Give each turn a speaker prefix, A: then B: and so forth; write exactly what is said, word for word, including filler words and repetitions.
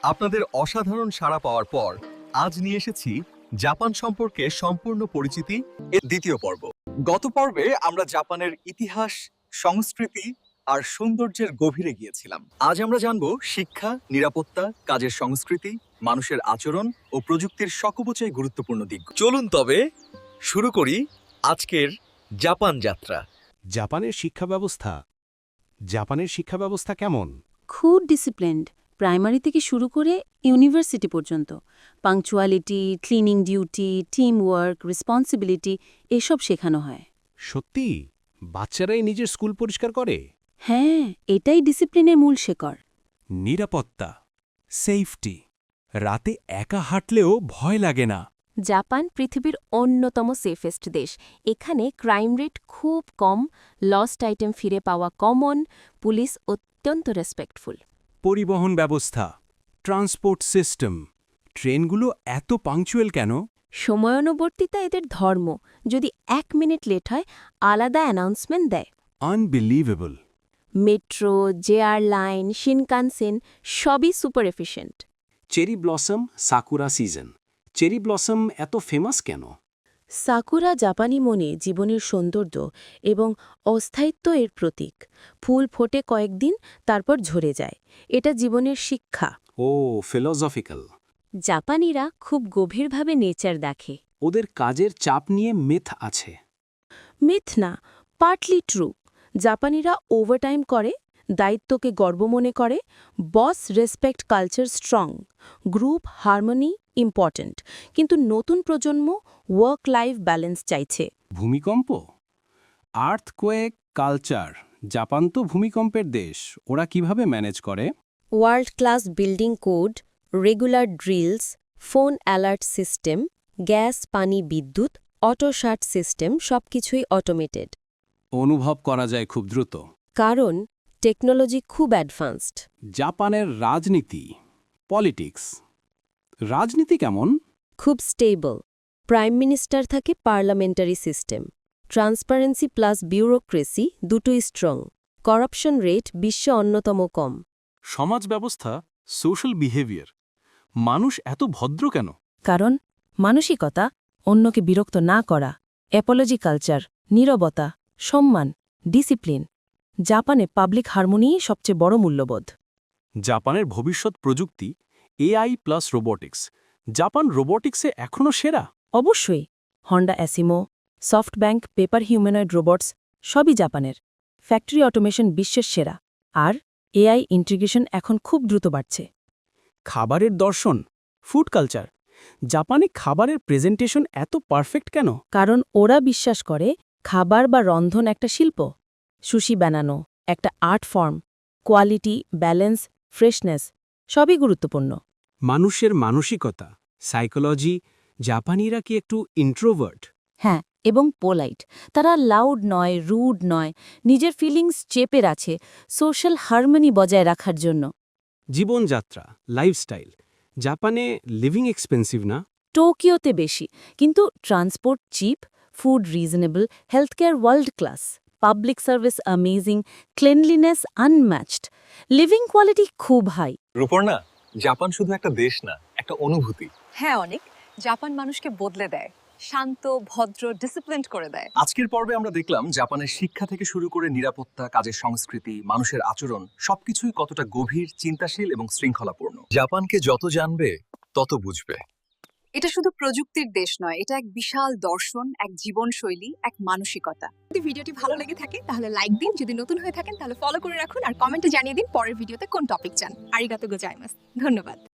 A: আপনাদের অসাধারণ সাড়া পাওয়ার পর আজ নিয়ে এসেছি জাপান সম্পর্কে সম্পূর্ণ পরিচিতি এর দ্বিতীয় পর্ব। গত পর্বে আমরা জাপানের ইতিহাস, সংস্কৃতি আর সৌন্দর্যের গভীরে গিয়েছিলাম। আজ আমরা জানব শিক্ষা, নিরাপত্তা, কাজের সংস্কৃতি, মানুষের আচরণ ও প্রযুক্তির সকবচয় গুরুত্বপূর্ণ দিক। চলুন তবে শুরু করি আজকের জাপান যাত্রা।
B: জাপানের শিক্ষা ব্যবস্থা জাপানের শিক্ষা ব্যবস্থা কেমন?
C: খুব ডিসিপ্লিনড, প্রাইমারি থেকে শুরু করে ইউনিভার্সিটি পর্যন্ত। Punctuality, cleaning duty, team work, responsibility এসব শেখানো হয়।
B: সত্যি বাচ্চারাই নিজের স্কুল পরিষ্কার করে?
C: হ্যাঁ, এটাই ডিসিপ্লিনের মূল শেকড়।
B: নিরাপত্তা, সেফটি, রাতে একা হাঁটলেও ভয় লাগে না।
D: জাপান পৃথিবীর অন্যতম সেফেস্ট দেশ। এখানে ক্রাইম রেট খুব কম, লস্ট আইটেম ফিরে পাওয়া কমন, পুলিশ অত্যন্ত রেসপেক্টফুল।
B: পরিবহন ব্যবস্থা, ট্রান্সপোর্ট সিস্টেম, ট্রেনগুলো এত পাংচুয়াল কেন?
D: সময়ানুবর্তিতা এদের ধর্ম। যদি এক মিনিট লেট হয় আলাদা অ্যানাউন্সমেন্ট দেয়।
B: Unbelievable.
D: Metro, JR line, Shinkansen সবই super efficient.
E: Cherry blossom sakura season. Cherry blossom এত ফেমাস কেন?
C: সাকুরা জাপানি মনে জীবনের সৌন্দর্য এবং অস্থায়িত্ব এর প্রতীক। ফুল ফোটে কয়েকদিন, তারপর ঝরে যায়। এটা জীবনের শিক্ষা।
E: ও ফিলোসফিক্যাল।
D: জাপানিরা খুব গভীরভাবে নেচার দেখে।
E: ওদের কাজের চাপ নিয়ে মিথ আছে।
C: মিথ না, পার্টলি ট্রু। জাপানিরা ওভারটাইম করে, দায়িত্বকে গর্ব মনে করে, boss respect culture strong, group harmony important. কিন্তু নতুন প্রজন্ম ওয়ার্ক লাইফ ব্যালেন্স চাইছে।
E: ভূমিকম্প, আর্থকোয়েক, কালচার। জাপান তো ভূমিকম্পের দেশ, ওরা কিভাবে ম্যানেজ করে?
D: World class building code, regular drills, phone alert system, gas, পানি, বিদ্যুৎ, অটো শার্ট সিস্টেম সবকিছুই অটোমেটেড।
E: অনুভব করা যায় খুব দ্রুত।
D: কারণ টেকনোলজি খুব অ্যাডভান্সড।
E: জাপানের রাজনীতি, পলিটিক্স। রাজনীতি কেমন?
D: খুব স্টেবল। প্রাইম মিনিস্টার থাকে, parliamentary system. Transparency plus bureaucracy দুটোই স্ট্রং। করাপশন রেট বিশ্বে অন্যতম কম।
F: সমাজ ব্যবস্থা, সোশ্যাল বিহেভিয়ার। মানুষ এত ভদ্র কেন?
C: কারণ মানসিকতা, অন্যকে বিরক্ত না করা, অ্যাপোলজি কালচার, নীরবতা, সম্মান, ডিসিপ্লিন। জাপানে পাবলিক হারমোনিই সবচেয়ে বড় মূল্যবোধ।
F: জাপানের ভবিষ্যৎ প্রযুক্তি, এআই প্লাস রোবোটিক্স। জাপান রোবোটিক্সে এখনও সেরা?
C: অবশ্যই। Honda ASIMO, SoftBank, Pepper humanoid robots সবই জাপানের। ফ্যাক্টরি অটোমেশন বিশ্বের সেরা। আর এআই ইন্টিগ্রেশন এখন খুব দ্রুত বাড়ছে।
E: খাবারের দর্শন, ফুড কালচার। জাপানে খাবারের প্রেজেন্টেশন এত পারফেক্ট কেন?
C: কারণ ওরা বিশ্বাস করে খাবার বা রন্ধন একটা শিল্প। সুশি বানানো একটা art form. Quality, balance, freshness সবই গুরুত্বপূর্ণ।
E: মানুষের মানসিকতা, সাইকোলজি। জাপানিরা কি একটু ইন্ট্রোভার্ট?
C: হ্যাঁ, এবং পোলাইট। তারা লাউড নয়, রুড নয়, নিজের ফিলিংস চেপে আছে সোশ্যাল হারমোনি বজায় রাখার জন্য।
E: জীবনযাত্রা, লাইফস্টাইল। জাপানে লিভিং এক্সপেন্সিভ না?
C: টোকিওতে বেশি, কিন্তু transport cheap, food reasonable, health care world class, public service amazing, cleanliness unmatched, living quality খুব হাই।
A: রূপর্ণা, জাপান শুধু একটা দেশ না, একটা অনুভূতি।
G: হ্যাঁ, অনেক। জাপান মানুষকে বদলে দেয়, শান্ত, ভদ্র, ডিসিপ্লিনড করে দেয়।
A: আজকের পর্বে আমরা দেখলাম জাপানের শিক্ষা থেকে শুরু করে নিরাপত্তা, কাজের সংস্কৃতি, মানুষের আচরণ সবকিছুই কতটা গভীর, চিন্তাশীল এবং শৃঙ্খলাপূর্ণ। জাপানকে যত জানবে তত বুঝবে।
G: এটা শুধু প্রযুক্তির দেশ নয়, এটা এক বিশাল দর্শন, এক জীবনশৈলী, এক মানসিকতা।
H: যদি ভিডিওটি ভালো লেগে থাকে তাহলে লাইক দিন, যদি নতুন হয়ে থাকেন তাহলে ফলো করে রাখুন, আর কমেন্টে জানিয়ে দিন পরের ভিডিওতে কোন টপিক চান। আরিগাতো গোজাইমাস। ধন্যবাদ।